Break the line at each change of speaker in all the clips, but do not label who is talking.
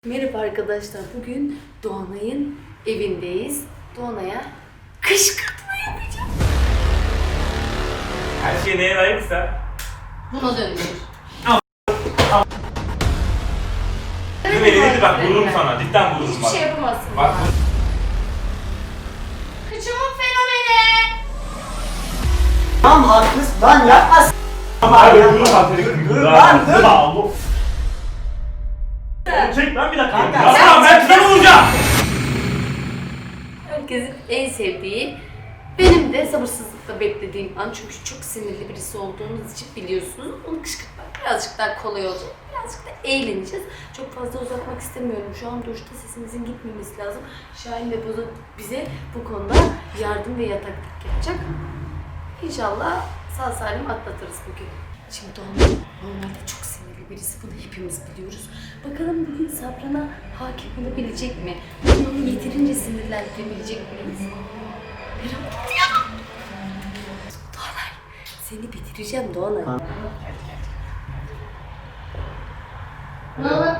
Merhaba arkadaşlar, bugün Doğanay'ın evindeyiz. Doğanay'a kışkırtma yapacağım.
Her şey neye layıksa
Buna döndür.
kızım elini bak vururum sana, cidden vururum
Hiçbir
bak.
şey yapamazsın.
Bak
Kıçımın fenomeni.
Tamam haklısın lan yapma.
abi vururum bak seni.
Dur lan, dur.
Oğlum çek lan bir dakika.
Kanka,
Yapma ben kime vuracağım?
Herkesin en sevdiği, benim de sabırsızlıkla beklediğim an, çünkü çok sinirli birisi olduğunuz için biliyorsunuz. Onu kışkırtmak birazcık daha kolay olacak. Birazcık da eğleneceğiz. Çok fazla uzatmak istemiyorum. Şu an duşta sesimizin gitmemesi lazım. Şahin ve Bozo bize bu konuda yardım ve yataklık yapacak. İnşallah sağ salim atlatırız bugün. Şimdi Doğan normalde çok sinirli birisi. Bunu hepimiz biliyoruz. Bakalım bugün sabrına hakim olabilecek mi? Bugün onu yeterince sinirlendirebilecek miyiz? Merak ediyorum. Doğanay, seni bitireceğim Doğanay. Ne olur?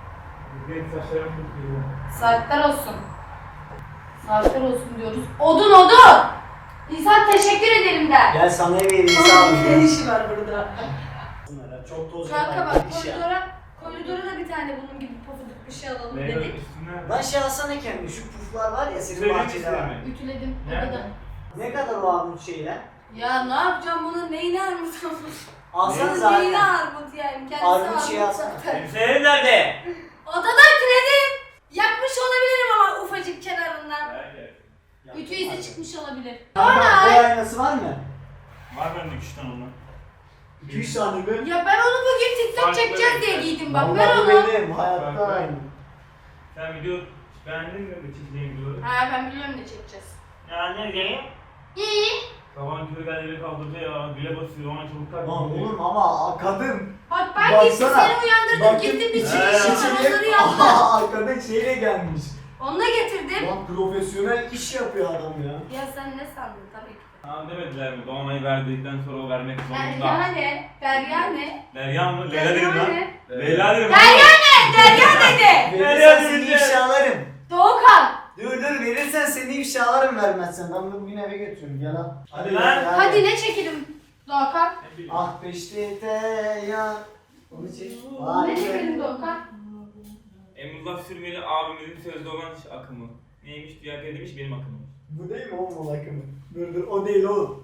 Saatler olsun. Saatler olsun diyoruz. Odun odun! İnsan teşekkür ederim der.
Gel sana ev vereyim sağ ol.
Ne işi var burada?
Çok toz
Kanka
yapan
bak,
bir şey.
koridora da bir tane bunun gibi pofuduk bir şey alalım
Neye
dedik.
üstüne?
Lan şey alsana kendine şu puflar var ya senin
Söyleyeyim
bahçede var.
mi?
Ütüledim
Nerede?
odada.
Ne kadar o armut şeyler?
Ya ne yapacağım bunun neyini armut?
Alsana
Bunun
zaten.
neyini armut yani? Kendisi
Armut şey
armut
alsana.
zaten.
Kimsenin nerede?
Odada ütüledim. Yakmış olabilirim ama ufacık kenarından. Ütü izi çıkmış olabilir.
Kanka
Doğanay!
boy aynası var mı?
Var bende 3 tane ondan.
2-3 tane mi?
Ya ben onu bugün TikTok
Farklı
çekeceğiz diye
renkler.
giydim bak,
Vallahi
ver
bu
onu.
benim hayatta
Farklı.
aynı.
Sen video beğendin mi? Bu çekeceğim videoları.
Ha, ben biliyorum ne çekeceğiz.
Ya ne diyeyim?
İyi.
Sabahın körü geldi beni kaldırdı ya. Güle basıyor ona çabuk kalk.
Lan oğlum ama kadın.
Bak ben gittim
Baksana.
seni uyandırdım,
Bakın.
gittim bir
He.
çiğ onları yaptım.
Arkada şeyle gelmiş.
Onunla getirdim.
Lan profesyonel iş yapıyor adam ya.
Ya sen ne sandın tabii ki.
Tamam demediler mi? Doğanayı verdikten sonra o vermek
Derya
zorunda.
ne? Derya ne?
Derya mı? Leyla dedim
Derya
lan.
ne?
Leyla dedim.
Derya ne? Derya dedi.
Verirsen seni ifşalarım.
Doğukan.
Dur verirsen seni ifşalarım vermezsen. Ben bunu bugün eve götürüyorum gel al.
Hadi lan.
Hadi ne çekelim Doğukan?
Ne bileyim.
Ah peşte ya. Onu çek.
Ne çekelim Doğukan?
Emrullah Sürmeli abimizin sözde olan akımı. Neymiş? Dünya demiş benim akımım.
Bu değil mi oğlum o akımı? Dur o değil oğlum.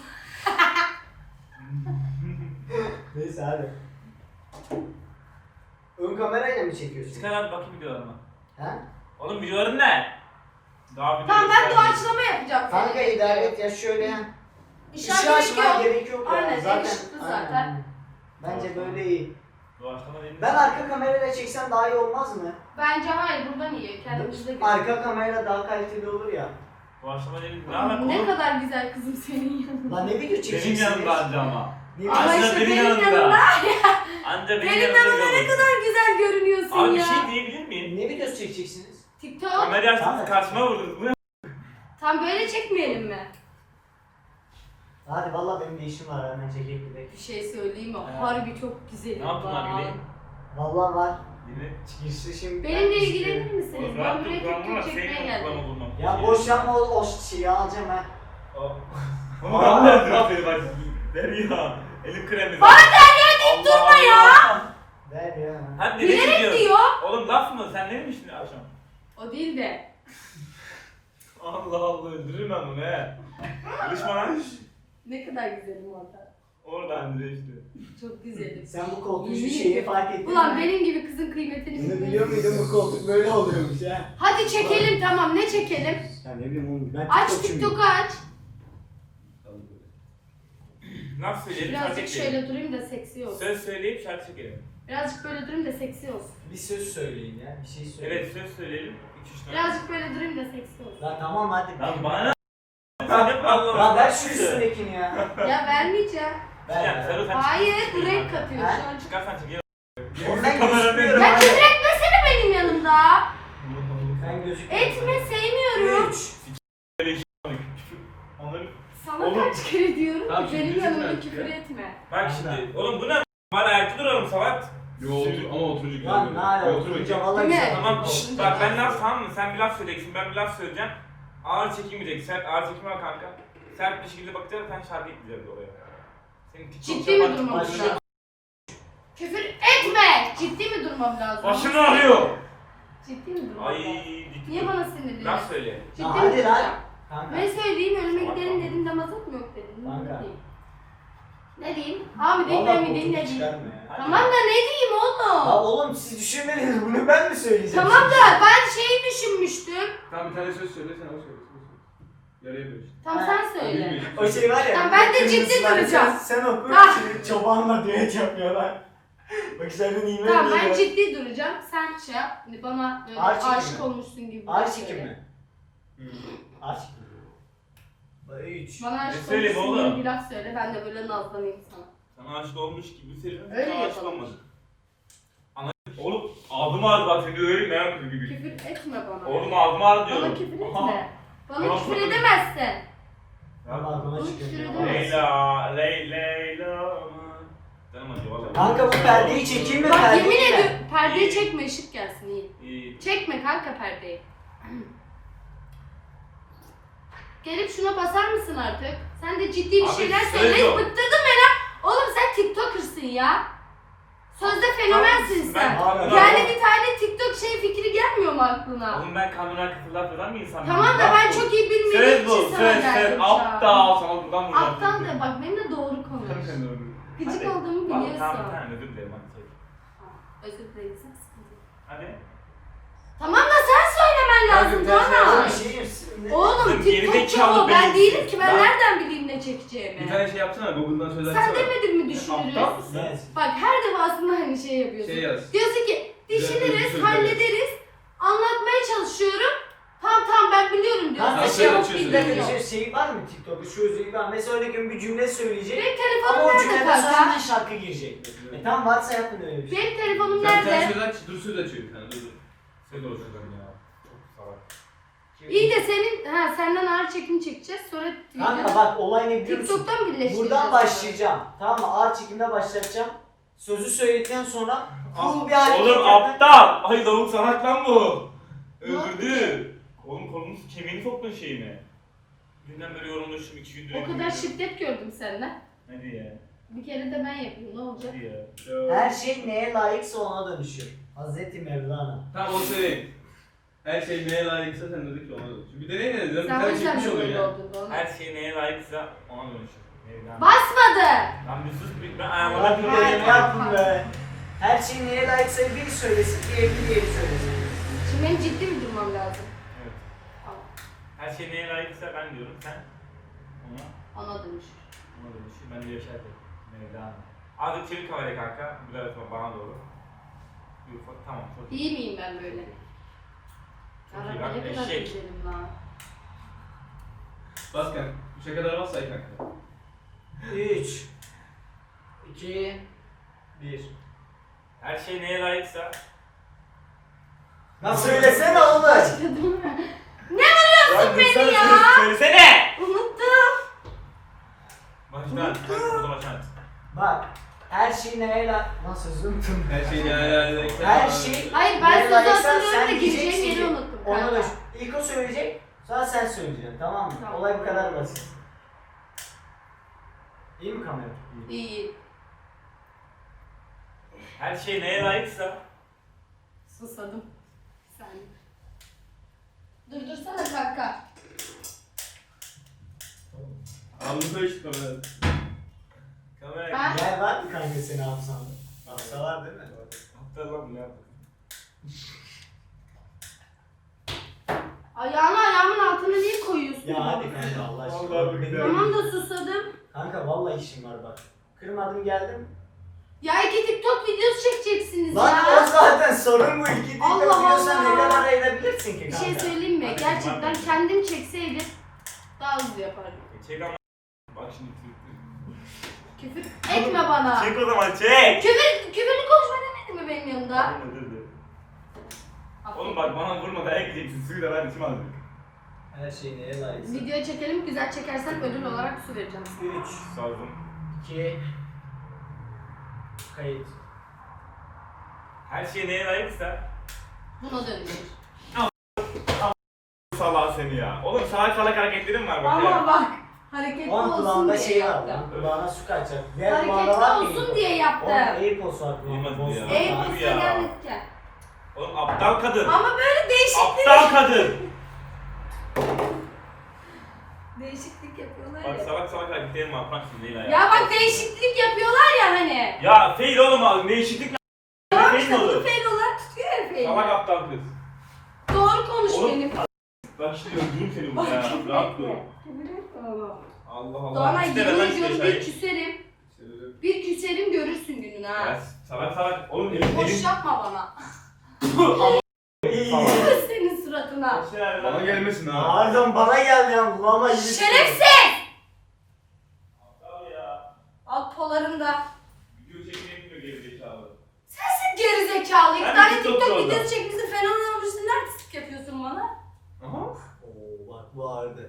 Neyse hadi. Ön kamerayla mı çekiyorsun?
Çıkar abi bakayım videolarıma.
He?
Oğlum videoların ne? Daha video
Tamam, ben
göstermeyeyim.
doğaçlama yapacağım.
Kanka idare et ya şöyle ya.
İşaret
Işığı açmaya
yok.
gerek yok ya.
Aynen,
zaten.
ışıklı
aynen,
zaten.
aynen. Bence böyle iyi.
Doğaçlama değil mi?
Ben arka kamerayla çeksem daha iyi olmaz mı?
Bence hayır, buradan iyi. Kendimizde görelim.
Arka kamera daha kaliteli olur ya.
Doğaçlama değil mi? Ne alaka
Ne
oğlum?
kadar güzel kızım senin yanında.
Lan ne video çekeceksiniz?
Benim yanımda anca ama.
Ne
Ama
video-
Anca
işte
benim
benim
yanımda.
yanımda.
Anca benim
Benim
yanımda
yanımda ne
görürsün.
kadar güzel görünüyorsun
Abi
ya.
bir şey diyebilir miyim?
Ne videosu çekeceksiniz?
TikTok.
Kamerayı açtınız
Tamam.
karşıma vurdunuz. Bu ne?
Tam böyle çekmeyelim mi?
Hadi vallahi benim de işim var hemen çekeyim gidelim.
Bir şey söyleyeyim mi?
Evet.
Harbi çok güzel.
Ne yaptın abi gideyim?
Vallahi var.
Yine
Çıkışta şimdi.
Benimle ilgilenir misiniz? Ben
rahat
buraya
dur,
TikTok
kullanma,
çekmeye
senin
geldim.
kullanma bulmam.
Ya boş yapma o şeyi alacağım ha.
Ama ben de yapıyorum seni bak. Derya. Elim kremi.
Bana Derya deyip durma ya.
Ver ya.
Hadi ne
Bilerek
çekiyorsun?
diyor.
Oğlum laf mı? Sen ne demiştin akşam?
O değil de.
Allah Allah öldürürüm ben bunu he. Konuşma lan.
Ne kadar güzelim orada.
Oradan direkt işte.
Çok güzelim.
Sen bu koltuğun şu
Yemin
şeyi
ediyorum.
fark ettin
Ulan
mi?
benim gibi kızın kıymetini
Bunu
bilmiyorsun.
biliyor muydun bu koltuk böyle oluyormuş ha?
Hadi çekelim, tamam, ne çekelim?
Ya ne bileyim oğlum ben
Aç
TikTokçuyum.
TikTok'u aç.
Laf söyleyelim şarkı
Birazcık
çekelim.
şöyle durayım da seksi olsun.
Söz söyleyip şarkı çekelim.
Birazcık böyle durayım da seksi olsun.
Bir söz söyleyin ya bir şey söyleyin.
Evet söz söyleyelim. 2-3 tane.
Birazcık böyle durayım da seksi olsun.
Lan tamam hadi.
Lan bana ne? Sen hep Allah'ım.
Lan ver şu üstündekini ya.
Ya vermeyeceğim.
Yani sarı sen
Hayır,
çıkıyorsun
bu renk
kanka.
katıyor
Ha?
şu an.
Çıkarsan çekelim.
Ondan
Kameranın
gözükmüyorum.
Ya
hadi.
küfür etmesene benim yanımda.
Ben gözükmüyorum.
Etme, sevmiyorum.
3.
Onları...
Sana
Oğlum.
kaç kere diyorum
Tamam,
ki
şimdi
benim
üzülme
yanımda
artık
küfür
ya.
etme.
Bak şimdi. Oğlum bu ne? Bana ayakta duralım Salat.
Yo otur ama oturucu
Lan ne ala
Otur
oturunca
bakayım.
valla
Değil mi?
güzel.
Tamam bak ben laf tamam mı? Sen bir laf söyleyeceksin, ben bir laf söyleyeceğim. Ağır çekilmeyecek, sert ağır çekim var kanka. Sert bir şekilde bakacağız, sen şarkı ekleyeceğiz oraya. Senin TikTok
Ciddi mi
şarkı-
durmam
Başla.
lazım? Küfür etme! Ciddi mi durmam lazım?
Başım ağrıyor.
Ciddi mi durmam
Ay
lazım?
ciddi.
Niye bana sinirleniyorsun?
Laf söyle.
Ciddi
Ya
mi
hadi
duracağım?
lan. Kanka.
Ne söyleyeyim? Önüme gidelim dedim de mazot mu yok dedim.
Kanka.
Ne diyeyim? Ne diyeyim? A mı diyeyim,
Valla
B mi diyeyim, ne
koltuğu
diyeyim?
çıkarma ya.
Hadi.
Tamam da ne diyeyim oğlum?
Ya oğlum siz düşünmediniz bunu ben mi söyleyeceğim?
Tamam da ben şeyi düşünmüştüm.
Tamam bir tane söz söyle sen o söyle. Yarıya böl işte.
Tamam
Ha,
sen söyle.
O şey var ya.
Tamam, ben de
kırmızı
ciddi
var,
duracağım.
Sen oku.
Ah.
Şimdi çobanla düet yapıyorlar. Bak içeriden iyi
Tamam ben ciddi duracağım. Sen şey yap. Bana böyle
Ağır çekim
aşık
mi?
olmuşsun gibi. bir
Ağaç
şey
çekim
söyle.
mi? Ağaç çekim. 3.
Bana aşık
Ne söyleyeyim
olmuşsun
oğlum?
gibi bir laf söyle. Ben de böyle nazlanayım sana.
Sana aşık olmuş gibi senin.
Öyle
Sana aşık
yapalım.
olmadın. Ana oğlum ağzım ağrıdı bak seni öyle merak ediyorum gibi.
Küfür etme bana.
Oğlum ağzım ağrıdı diyorum.
Bana küfür
Aha.
etme. Bana
Tamam,
küfür
tamam.
edemezsin.
Balkona
Bunu
çıkıyor.
küfür
Leyla, Leyla. Canım acıyor valla.
Kanka bu perdeyi çekeyim mi?
Bak
perdeyi
yemin
mi?
ediyorum perdeyi
İyi.
çekme ışık gelsin iyi.
İyi.
Çekme kanka perdeyi. Gelip şuna basar mısın artık? Sen de ciddi bir
Abi,
şeyler
söz
söyle.
yok.
Bıktırdın beni. Oğlum sen TikToker'sın ya. Sözde fenomensin
Ben
sen.
kamera-
Yani bir tane TikTok şey fikri gelmiyor mu aklına?
Oğlum ben kamera arkası laf eden bir insanım.
Tamam da
Laf
ben
bu.
çok iyi bilmediğim
Söz bu,
için sana
söz,
geldim
söz.
şu an.
Aptal. Sana buradan vuracağım.
Aptal da bak benimle doğru konuş. Gıcık
Hadi.
olduğumu
Bak,
biliyorsun.
Tamam tamam özür dilerim hadi çek.
Özür dilerim sen sıkıntı yok.
Hadi.
Tamam da sen söylemen lazım Doğan.
Bir şey yapsın.
Oğlum
Kızım,
TikTokçu
gerizekalı
o. Ben
beyinsin.
değilim ki ben
Lan.
nereden bileyim ne çekeceğimi.
Bir tane şey yapsana Google'dan söz
Sen
açsana.
demedin mi düşünürüz?
Aptal mısın?
Evet.
Bak her defasında hani şey yapıyorsun.
Şey yaz.
Diyorsun ki
Güzel
düşünürüz,
sözler.
hallederiz, anlatmaya çalışıyorum. Tamam ben biliyorum diyorsun.
Kanka
Nasıl
şey yok
açıyorsun?
bir dakika bir şey var mı TikTok'ta şu özelliği var. Mesela örnek veriyorum bir cümle söyleyecek.
Benim
Ama
telefonum
o
nerede
cümleden sonra
kanka?
hemen şarkı girecek. Tamam varsa yapın öyle bir şey.
Benim telefonum
Sen bir tane
nerede?
söz aç, dur söz açıyor bir tane dur.
Söz olsun ya. Çok salak.
İyi de senden ağır çekim çekeceğiz sonra
Kanka bak olay ne biliyor musun?
TikTok'tan birleştireceğiz.
Buradan başlayacağım. Tamam mı? Ağır çekimde başlatacağım. Sözü söyledikten sonra full bir hareket
Oğlum
yapın.
aptal. Ay lavuk salak lan bu. Öldürdü. Oğlum kolunu kemiğini soktun şeyine. Dünden beri yorumlaştım 2 gündür.
O kadar şiddet gördüm senden.
Hadi ya.
Bir kere de ben yapayım ne olacak?
Hadi ya.
Her şey neye layıksa ona dönüşüyor. Hazreti Mevlana.
Tamam onu söyleyeyim. Her şey neye layıksa sen dedik ki ona da. Şimdi bir deneyin dedim. Bir
Sen o
tane
yüzden
çekmiş
de
oluyor
böyle
yani.
oldun Doğan.
Her şey neye layıksa ona dönüşür. Mevlana.
Basmadı!
Lan bir sus bir ben
Hadi
ayağıma
bir
bir
deneme yapın be. Her şey neye layıksa biri söylesin, diğeri söylesin.
Şimdi benim ciddi mi durmam lazım?
Evet.
Tamam.
Her şey neye layıksa ben diyorum sen ona
Ona dönüşür.
dönüşür. Ben de yaşardım. Mevlana. Azıcık çevir kamerayı kanka. Biraz bana doğru. Bir ufak tamam çok iyi.
İyi miyim ben böyle?
Çok iyi
Araba
bak,
ne kadar
eşek.
güzelim lan.
Bas kanka. 3'e kadar bas say kanka.
3 2 1.
Her şey neye layıksa
Lan söylesene oğlum.
Başladım. Ne vuruyorsun beni ya?
Söylesene!
Unuttum.
Baştan. Burada baştan.
Bak her şey neye layık... Lan sözü unuttum.
Her şey neye layıksa.
Her şey
Hayır ben
neye
sözü
layıksa
hatırlıyorum da
sen
gireceğim
diyeceksin
yeri
ki
unuttum
ona
kanka.
dön. İlk o söyleyecek, sonra sen söyleyeceksin tamam mı?
Tamam.
Olay bu kadar basit. İyi mi kamera?
İyi.
Her şey neye layıksa
Susadım. Sen. Durdursana kanka.
Alnı işte kamera.
kamera
Ha?
Gel var mı kanka seni hafızanda? Hafıza var değil mi?
Hatırlam ne yaptık?
Ayağımın altına niye koyuyorsun?
Ya hadi kanka Allah aşkına.
Vallahi billahi.
Tamam da susadım.
Kanka vallahi işim var bak. Kırmadım geldim.
Ya iki TikTok videosu çekeceksiniz
Lan
ya.
o zaten sorun bu. İki
Allah
dakika biliyorsan
Allah.
ne kadar ayırabilirsin ki
Bir
kanka?
şey söyleyeyim mi?
Hadi,
Gerçekten
hadi.
kendim çekseydim daha hızlı yapardım.
Çek ama. Bak şimdi.
Küfür etme bana.
Çek o zaman çek.
Küfürlü konuşma demedin mi benim yanımda?
Oğlum bak bana vurma dayak yiyeceksin. Suyu da ben içim aldım.
Her şey neye layıksa.
Video çekelim, güzel çekersen ödül olarak su vereceğim sana.
3
Sordum.
2 Kayıt.
Her şey neye layıksa
Buna dönüşür.
salağı seni ya. Oğlum salak hareketlerim var bak
Ama
ya.
bak hareketli
Onun
olsun
kulağında
diye
şey var
yaptım.
lan. Kulağına su kaçacak. Diğer kulağında var
Hareketli
mı?
olsun diye yaptım.
Onun Airpods var
Duymadım
kulağında.
ya.
Bozsun.
Airpods'a
ya.
geldik ya.
Oğlum aptal kadın.
Ama böyle değişiklik.
Aptal kadın.
Değişiklik yapıyorlar
Bak
ya.
salak salak hareketlerim var. Bırak şimdi Leyla ya.
Ya bak değişiklik yapıyorlar ya hani.
Ya fail oğlum abi. Değişiklik mi?
Tamam
Fail
işte
mi
bu
olur?
fail olarak tutuyor ya fail.
Salak aptal kız.
Doğru konuş
Oğlum,
benim.
Bak şimdi öldürürüm seni
Bak
burada ya.
küfür
Rahat dur.
etme. Küfür etme ama.
Allah Allah.
Doğanay
İşte
yemin
ben işte
ediyorum
şahit.
bir küserim. Bir küserim görürsün gününü ha.
Ya salak salak. Oğlum elim
Boş
elim.
yapma bana.
Salak.
Kız senin suratına.
Bana gelmesin ha.
Pardon bana geldi ya kulağıma yürü.
Şerefsiz!
Aptal ya.
Alt polarında.
Video çekmeyi bilmiyor gerizekalı.
Sensin gerizekalı. İki
Ben
tane
TikTok
TikTok
yolda.
videosu çekmişsin. Fenomen olmuşsun. Ne artistik yapıyorsun bana?
Aha.
Oo bak bu ağırdı.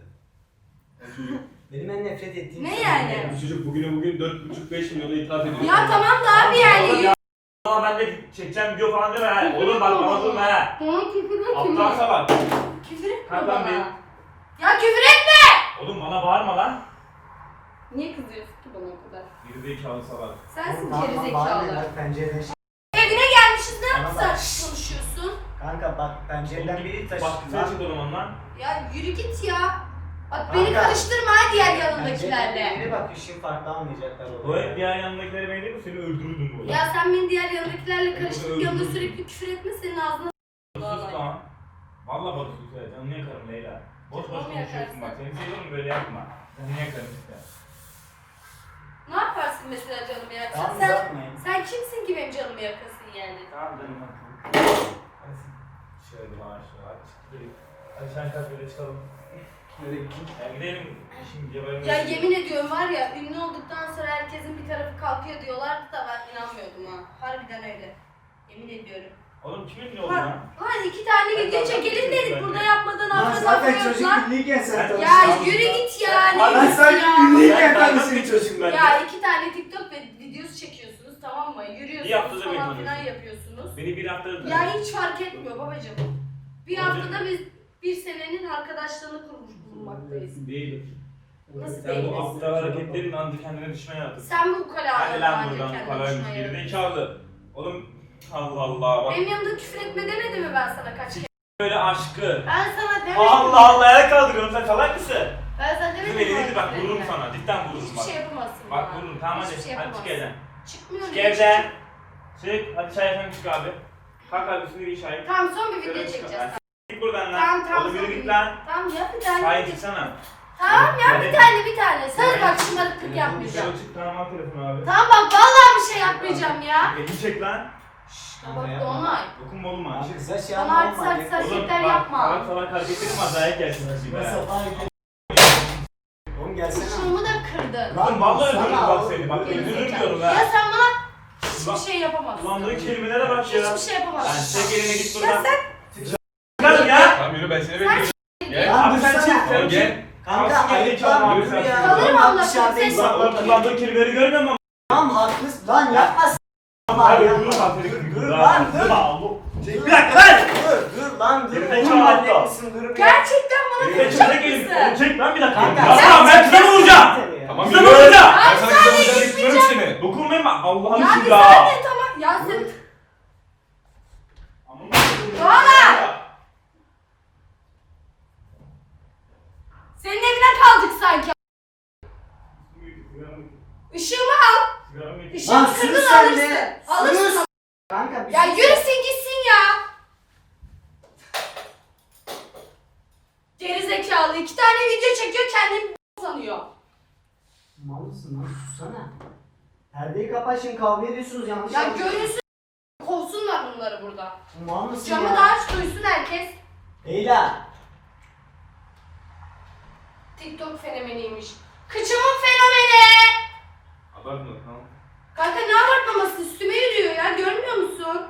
Benim en nefret ettiğim
Ne
şey
yani?
Bu çocuk bugün 4,5-5 milyona ithaf ediyor.
Ya tamam da abi yani.
Ama ben de çekeceğim video falan deme ha. Oğlum bak bana durma ha.
Bana küfür etme.
Aptal salak.
Küfür etme
Kalk lan
bana.
bir.
Ya küfür etme!
Oğlum bana bağırma lan.
Niye kızıyorsun ki bana o kadar?
Gerizekalı salak.
Sensin
Bana ne
gerizekalı.
lan pencereden
Evine gelmişiz ne
Bana
yapsak
bak.
konuşuyorsun?
Kanka bak pencereden biri taşıdı.
Bak güzel çık oğlum ondan.
Ya yürü git ya. Bak
Kanka.
beni karıştırma ha diğer
Pencereden
yanındakilerle.
biri bak işin farklı anlayacaklar
O
orada.
hep diğer yanındakileri ben değil mi? Seni öldürürdüm burada.
Ya sen beni diğer yanındakilerle karıştırıp
Öldürdüm.
yanında sürekli küfür etme senin ağzına
Sus lan. Valla bak sus ya. Canını yakarım Leyla. Boş boş
Canımı
konuşuyorsun
yakarsın.
bak. Seni seviyorum böyle yapma. Canını yakarım işte.
Ne yaparsın mesela canımı yaksan?
Tamam
Sen,
uzatmayın.
sen kimsin ki benim canımı yakasın yani?
Tamam canım yakarım. Hadi şöyle bağır şöyle. Hadi çık gidelim. Hadi sen kalk böyle çıkalım.
Nereye gittin?
Ya gidelim. Şimdi geberim.
Ya yemin ediyorum var ya ünlü olduktan sonra herkesin bir tarafı kalkıyor diyorlardı da ben inanmıyordum ha. Harbiden öyle. Yemin ediyorum.
Oğlum kimin ne oldu
Lan,
lan?
lan iki tane
Ben
video
zaten
çekelim dedik
çocuk
burada
bence.
yapmadan
Lan
arka
zaten
saklıyoruz
çocuk
lan.
ünlüyken sen
Ya
tanıştın.
Ya yürü git ya. ne
Lan
diyorsun
sen
ya?
ünlüyken
Ben
tanıştın
bir
çocuk.
bence.
Ya iki tane TikTok ve videosu çekiyorsunuz tamam mı?
Bir
Yürüyorsunuz
haftada beni
falan filan
tanıyorsun.
yapıyorsunuz.
Beni bir hafta
Ya hiç fark etmiyor babacığım. Bir
Babacığım.
haftada biz bir senenin arkadaşlığını kurmuş bulunmaktayız.
Değil.
Nasıl
Sen
değil?
bu aptal hareketlerin andı kendine düşmeye yaptın.
Sen bu
Hadi
ukalalarla
lan
ancak
buradan
kendini
kalaymış
düşmeye
bir
yaradın.
zekalı. Oğlum Allah Allah bak
Benim yanımda küfür etme demedi mi ben sana kaç kere?
böyle aşkı.
Ben sana demedim.
Allah Allah el kaldırıyorum sen salak mısın?
Ben sana demedim.
Kızım elini
mi
bak
küfür
vururum
etme?
sana cidden vururum
Hiçbir
bak.
şey yapamazsın
Bak
bana.
vururum tamam
Hiçbir şey
hadi çık
yapamazsın.
evden.
Çıkmıyorum.
Çık evden. Çık hadi çay efendim çık abi. Kalk abi üstüne bir çay.
Tamam son bir video
Şöyle çık.
çekeceğiz.
Hadi git buradan
Tamam
lan.
tamam.
Oğlum yürü
son
git
bir-
lan.
Tamam yap bir tane.
Çay çıksana.
Tamam yap
Hadi.
bir tane bir tane. Söz bak şımarıklık yapmayacağım.
Şöyle çık tamam al telefonu abi.
Tamam bak vallahi bir şey yapmayacağım ya.
Elini çek lan.
Bak Doğanay.
Dokunma oğlum ha.
Kıza şey
Bana artist
yapma.
artist
Oğlum
hareketler
bak
yapma.
salak salak hareketlerim var dayak gelsin şimdi.
Nasıl falan Oğlum gelsene.
Kuşumu da kırdın.
Oğlum vallahi
Sana
öldürürüm bak seni. Bak
Geri
öldürürüm
Gerizekalı.
diyorum
Ya
ha.
sen bana hiçbir
Bak,
şey yapamazsın.
kullandığın kelimelere bak ya.
Hiçbir şey
Lan
yapamazsın.
çek elini git
Ya
buradan.
sen
Çıkalım ya.
Tamam yürü ben seni bekliyorum. Gel.
Lan
Abi sen
dursana.
çık. Sen
Oğlum
gel.
gel.
Kanka
Kalsın
ayıp
gerizekalı
lan
abi,
yürü
sen
ya.
çık.
Kalırım
Lan
Allah
dışarıdayız.
korusun.
Lan oğlum kullandığın kelimeleri görmüyor musun?
Tamam haklısın. Lan yapma.
Hayır
yapma.
dur lan.
Dur lan dur.
Bir dakika lan.
Dur lan dur.
Gerizekalı
Oğlum
aptal.
halletmişsin dur bir.
gerçekten bana
Elini
vuracak
çek elini.
mısın?
Oğlum çek lan bir dakika.
Kanka,
Yapma ben kıza vuracağım.
Tamam
Kıza
yürü.
vuracağım.
Ben sana kızım olacağını istiyorum seni.
Dokunmayın bak Allah'ın
Ya bir
için ya.
saniye tamam. Ya sen... Doğanay! Senin evine kaldık sanki. Işığımı al.
Lan
Işığımı
sus
kırdın
sen
alırsın.
de.
Alırsın.
Sus. Kanka bir
Ya
sus.
yürüsün gitsin ya. Gerizekalı. 2 tane video çekiyor kendini sanıyor.
Mal mısın lan sussana. Perdeyi kapat şimdi kavga ediyorsunuz yanlış
Ya
yapıyorsunuz.
görünsün. Kovsunlar bunları burada.
Mal mısın
Camı
ya?
da aç duysun herkes.
Leyla.
TikTok fenomeniymiş. Kıçımın fenomeni.
Abartma tamam.
Kanka ne abartmaması üstüme yürüyor ya görmüyor musun?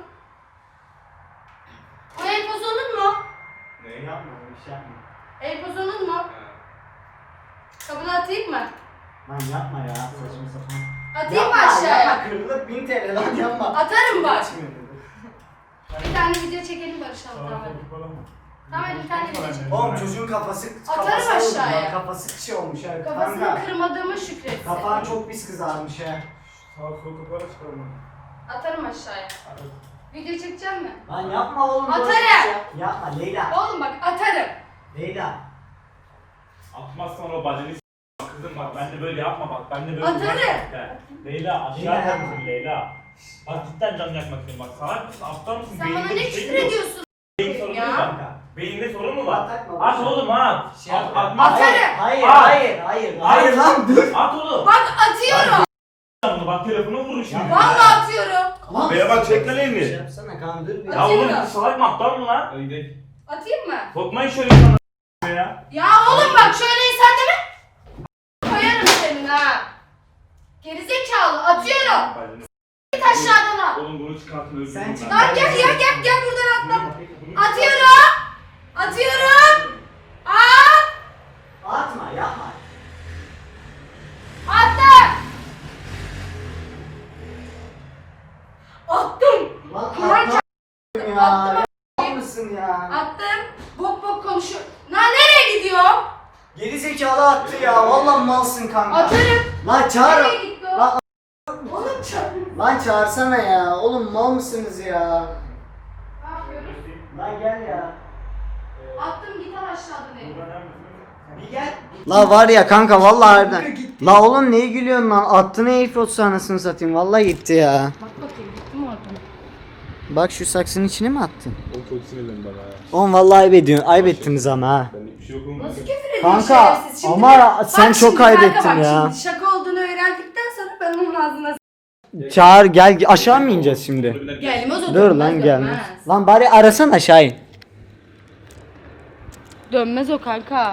Bu el pozonun mu?
Ne?
Yapma bir şey yapma.
El pozonun mu? Kabını atayım mı?
Lan yapma ya saçma sapan.
Atayım mı
Yapma,
aşağıya?
Yapma kırılıp 1000 TL lan yapma.
Atarım bak.
Geçmiyor dedi.
Bir tane video çekelim barışalım tamam. Tamam hadi bir tane video çekelim.
Oğlum çocuğun kafası
Atarım
oldu
aşağıya.
lan, kafası şey olmuş ha.
Kafasını
Kanka,
kırmadığımı şükretsin.
kafan çok pis kızarmış ha.
Sağ sol kapara çıkarma.
Atarım aşağıya. Video çekecek mi?
Lan yapma oğlum.
Atarım.
böyle bir şey. Yapma Leyla.
Oğlum bak atarım.
Leyla.
Atmazsan o bacını kızım bak ben de böyle yapma bak ben de böyle
Atarım.
Leyla aşağı
Leyla.
kal mısın Leyla? Bak cidden canını yakmak istiyorum bak salak mısın aptal mısın?
Sen bana
Beyninde
ne
bir şey
küfür
mi yok?
ediyorsun?
Beyin sorunu mu
Ya.
var? Beyinde sorun mu var?
Atakma,
At
boşver.
oğlum at.
Şey yap.
Atmaz.
Atarım.
Hayır,
At.
hayır, hayır. Hayır lan dur.
At oğlum.
Bak atıyorum.
Bunu bak telefonu vurur şimdi.
Vallahi atıyorum.
Lan
Beye bak, çek lan
şey
elini.
yapsana kan dur bir.
Ya oğlum bu salak mı aptal mı lan?
Atayım mı?
Sokmayın şöyle sana ya.
Ya oğlum bak şöyle insan deme. Koyarım senin ha. Gerizekalı atıyorum. Git aşağıdan al.
Oğlum bunu çıkartın özür
Sen
dilerim
çık.
ben.
Lan gel buradan atla. Atıyorum. Atıyorum. Aa!
Atma, yapma.
Attım. Attım.
Lan
Kur'an
atma ya.
Attım.
Yapar mısın ya?
Attım. Bok bok konuşuyor. Lan nereye gidiyor?
Geri zekalı attı ya. Vallahi malsın kanka.
Atarım.
Lan çağır.
Nereye gitti o?
Lan,
Oğlum çağır.
lan çağırsana ya. Oğlum mal mısınız ya?
Ne yapıyoruz?
Lan gel ya.
Attım git al aşağıdan evi.
Bir gel. La var ya kanka vallahi harbiden. La oğlum neye gülüyorsun lan? Attın AirPods anasını satayım. Vallahi gitti ya.
Bak bakayım gitti mi oradan?
Bak şu saksının içine mi attın?
O çok sinirlendi bana ya.
Oğlum vallahi ayıp ettiniz ama ha.
Ben bir şey yok oğlum.
Nasıl küfür ediyor
Kanka,
şerefsiz? Şimdi
ama
bak
sen
şimdi
çok
kanka,
kaybettin
bak
ya.
Şimdi şaka olduğunu öğrendikten sonra ben onun ağzına
Çağır gel aşağı mı ineceğiz şimdi?
gelmez o
Dur
dönmez,
lan gelmez.
dönmez.
Lan bari arasan aşağı in.
Dönmez o kanka.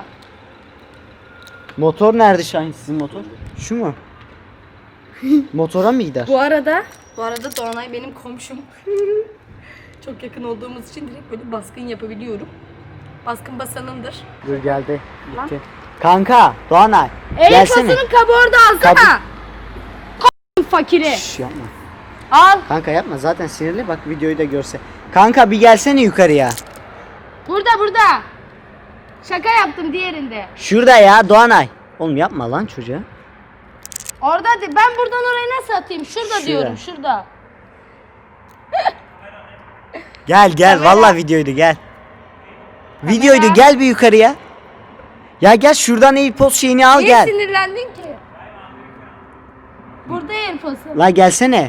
Motor nerede Şahin sizin motor? Şu mu? Motora mı gider?
Bu arada Doğanay benim komşum. Çok yakın olduğumuz için direkt böyle baskın yapabiliyorum. Baskın basanındır.
Dur geldi.
Lan.
Gitti. Kanka Doğanay gelsene.
Fasının kabı orada alsana. Fakiri.
Şş, yapma.
Al.
Kanka yapma zaten sinirli bak videoyu da görse. Kanka bir gelsene yukarıya.
Burada. Şaka yaptım diğerinde.
Şurada ya Doğanay. Oğlum yapma lan çocuğa.
Orada ben buradan oraya nasıl atayım? Şurada
Şuraya.
diyorum şurada.
Gel
Kamera.
vallahi videoydu gel. Videoydu gel bir yukarıya. Ya gel şuradan AirPods şeyini al
Niye
gel.
sinirlendin ki? Burada AirPods'u.
La gelsene.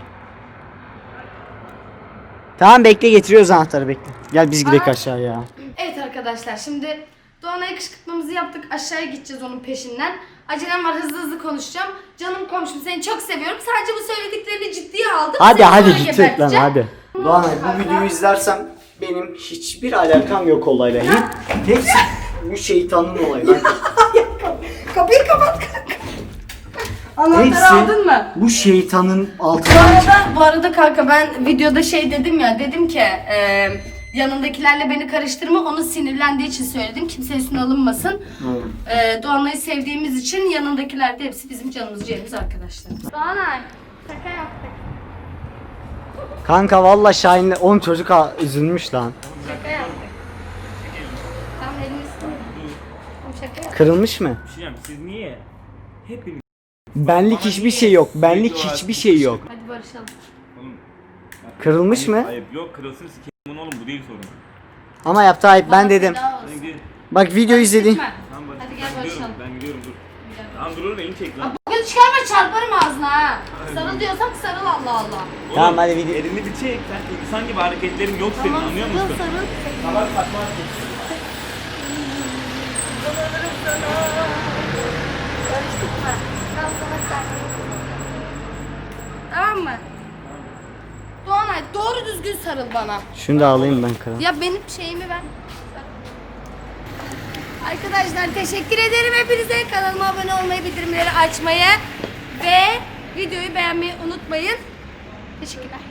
Tamam bekle getiriyoruz anahtarı bekle. Gel biz gidelim
Aha.
aşağıya.
Evet arkadaşlar şimdi Doğanay'a kışkırtmamızı yaptık. Aşağıya gideceğiz onun peşinden. Acelem var hızlı konuşacağım. Canım komşum seni çok seviyorum. Sadece bu söylediklerini ciddiye aldım.
Hadi
Seni
hadi
sonra
gidecek lan
geberteceğim.
hadi. Doğanay bu videoyu izlersem benim hiçbir alakam yok olayla. Hepsi bu şeytanın olayı lan.
Kapıyı kapat kanka. Anahtarı
Hepsi
aldın mı?
bu şeytanın altından çıktı.
Bu arada kanka ben videoda şey dedim ya, dedim ki yanındakilerle beni karıştırma, onu sinirlendiği için söyledim, kimse üstüne alınmasın. Doğanay'ı sevdiğimiz için yanındakiler de hepsi bizim canımız ciğerimiz arkadaşlar. Doğanay şaka yaptık.
Kanka valla Şahin'le 10 çocuk üzülmüş lan.
Şaka yaptık. Tamam elini ısırma. Şaka yaptık.
Kırılmış mı?
Bir şey diyeceğim siz niye? Hepiniz
Benlik hiçbir şey yok. Benlik hiçbir şey yok.
Hadi barışalım.
oğlum.
Kırılmış mı?
Ayıp yok kırılsın sikeyim oğlum bu değil sorun.
Ama yaptı ayıp ben dedim.
Daha olsun.
Sen gidin.
Bak video izledin.
Gitme.
Tamam bak.
Hadi gel
ben gidiyorum,
barışalım.
ben gidiyorum dur. Tamam dur oğlum elini çek lan.
Bugün çıkarma çarparım ağzına ha. Sarıl diyorsam sarıl Allah Allah.
Tamam, hadi video-
Elini bir çek sen insan gibi hareketlerin yok senin anlıyor musun?
sarıl.
Salak saçma hareketler.
Karıştırma. Ben sana sarılayım. Tamam mı? Doğanay doğru düzgün sarıl bana.
Şunu da alayım ben kral.
Ya benim şeyimi ver. Arkadaşlar teşekkür ederim hepinize. Kanalıma abone olmayı, bildirimleri açmayı ve videoyu beğenmeyi unutmayın. Teşekkürler.